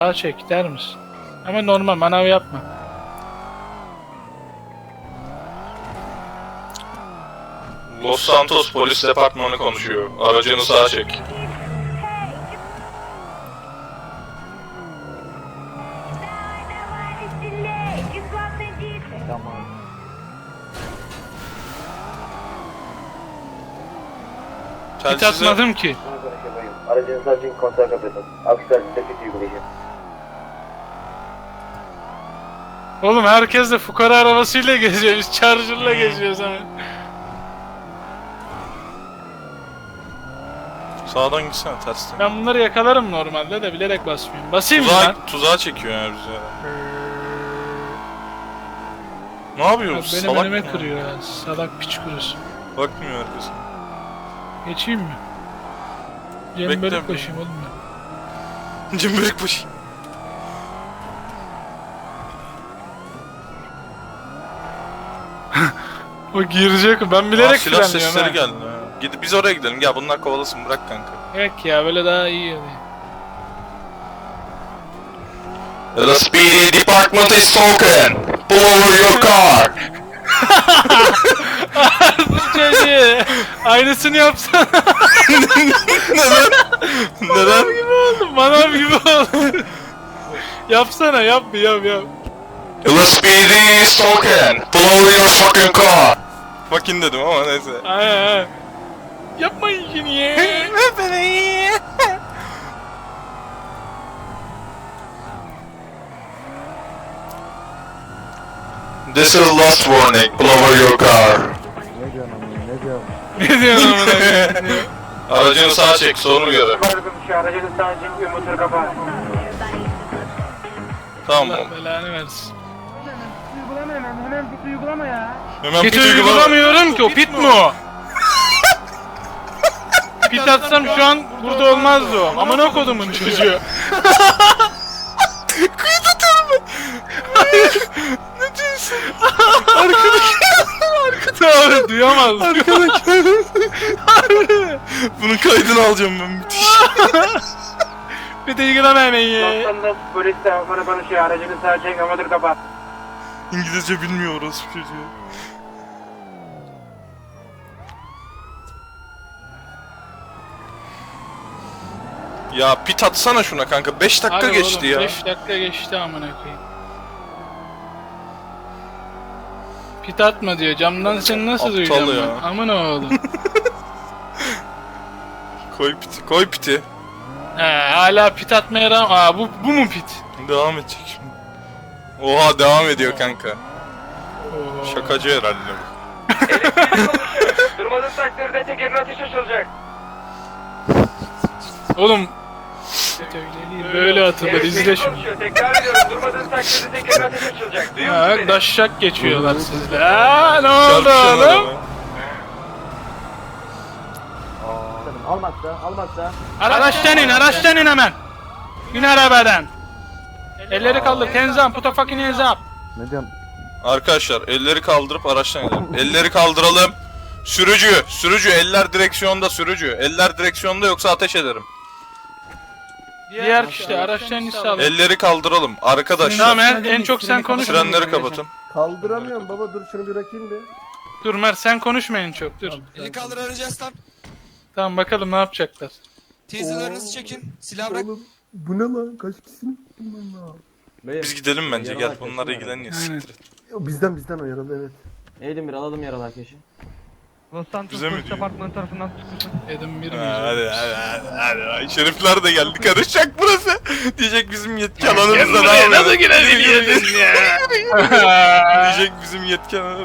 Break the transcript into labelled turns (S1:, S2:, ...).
S1: Daha çek der misin? Ama normal manav yapma.
S2: Los Santos Polis Departmanı konuşuyor. Aracını sağa çek.
S3: Tamam.
S1: Hiç
S2: Telsize...
S1: atmadım ki.
S4: Aracınızı açın, konser kapatın. Aksi halde kötü uygulayacağım.
S1: Oğlum herkes de fukara arabasıyla geziyor. Biz charger'la geziyoruz hemen.
S2: Sağdan gitsene tersten.
S1: Ben bunları yakalarım normalde de bilerek basmıyorum. Basayım mı lan?
S2: Tuzağa çekiyor ya bizi. Ne yapıyoruz?
S1: Benim
S2: Salak
S1: önüme
S2: mı?
S1: kırıyor ya. Salak piç kurusu.
S2: Bakmıyor herkes.
S1: Geçeyim mi?
S2: Bekle.
S1: Cembelik başım oğlum ben.
S2: Cimbirik başı.
S1: O girecek. Ben bilerek
S2: Silah
S1: frenliyorum
S2: sesleri
S1: ha.
S2: geldi. Gidip biz oraya gidelim. Gel bunlar kovalasın, bırak kanka.
S1: Yok ya böyle daha iyi yani.
S2: The speedy department is talking. Pull over your car.
S1: Çocuğu. Aynısını yapsana.
S2: Neden? Neden?
S1: Manav gibi oldu. Yapsana yap.
S2: The speedy is talking. Pull over your fucking car. Fucking dedim ama neyse.
S1: Aynen. Yapmayın ki niye?
S2: This is last warning. Pull over your car.
S3: Ne diyorsun ama ne diyorsun?
S1: Ne diyorsun amına koyayım?
S2: Aracını sağa çek, sorunu göre.
S4: Aracınızı açın, motor kapat.
S2: Tamam.
S1: Allah belanı versin.
S4: Hemen bir uygulama ya.
S2: Hemen
S1: Pit
S2: pit uygula.
S1: uygulamıyorum ki o pit mi o? Pit atsam şu an burada olmazdı o. Amına kodumun çocuğu.
S2: Kıyı tutar mı? Ne diyorsun?
S1: Arkada duyamaz.
S2: Arkadaşlar. Bunun kaydını alacağım ben, müthiş.
S1: Pit uygulama hemen ya.
S4: Santos polis departmanı konuşuyor. Aracınızı açın, motor kapat.
S2: İngilizce bilmiyoruz çocuğu. Ya pit atsana şuna kanka, 5 dakika
S1: Hadi
S2: geçti
S1: oğlum,
S2: ya.
S1: 5 dakika geçti amına koyayım. Pit atma diyor. Camdan seni nasıl
S2: Aptal
S1: duyacağım
S2: ya.
S1: ben? Amına oğlum.
S2: Koy piti, koy piti.
S1: He hala pit atmaya rağmen. Aa bu mu pit?
S2: Devam edecek şimdi. Oha, devam ediyor kanka.
S1: Oo.
S2: Şakacı herhalde bu.
S4: Durmadığın takdirde tekerin ateşi açılacak.
S1: Oğlum. Pit öyle değil. Böyle atılır izle şimdi.
S4: Tekrar ediyorum. Durmadığın takdirde tekerin ateşi açılacak. Duyuyor musun
S1: Ha
S4: beni?
S1: daşşak geçiyorlar sizde. Aa ne oldu
S2: Çarpışın
S1: oğlum?
S2: adamı.
S3: Almazsa.
S1: Araçtan in hemen. İn arabadan. Elleri kaldır. Tenzam. Put a fucking hands up.
S3: Ne diyorum?
S2: Arkadaşlar elleri kaldırıp araçtan gidelim. Elleri kaldıralım. Sürücü, eller direksiyonda sürücü. Eller direksiyonda, yoksa ateş ederim.
S1: Diğer kişi de araçtan in sağlam.
S2: Elleri kaldıralım arkadaşlar.
S1: Tamam en çok sen konuş.
S2: Frenleri kapatın.
S3: Kaldıramıyorum baba, dur şunu bırakayım bir.
S1: Dur Mert sen konuşma en çok dur.
S5: Eli kaldır arayacağız lan.
S1: Tamam bakalım ne yapacaklar.
S5: Taser'larınızı çekin. Silah bırak.
S3: Oğlum bu ne lan? Kaç kişisiniz?
S2: Biz gidelim bence, gel bunlarla ilgileniyor,
S1: Aynen.
S2: siktir et.
S3: Bizden o yaralı, evet.
S6: Eğilim bir alalım yaralı arkadaşı.
S7: Los Santos
S2: Bize mi
S7: Polis
S2: diyor?
S7: Departmanı tarafından çıkmışsın.
S1: Dedim bir
S2: Hadi. Şerifler de geldi, karışacak burası. Diyecek bizim yetki alanımızda ne yapıyor?
S1: Nasıl girebiliyorsun ya?
S2: Diyecek bizim yetki alanı.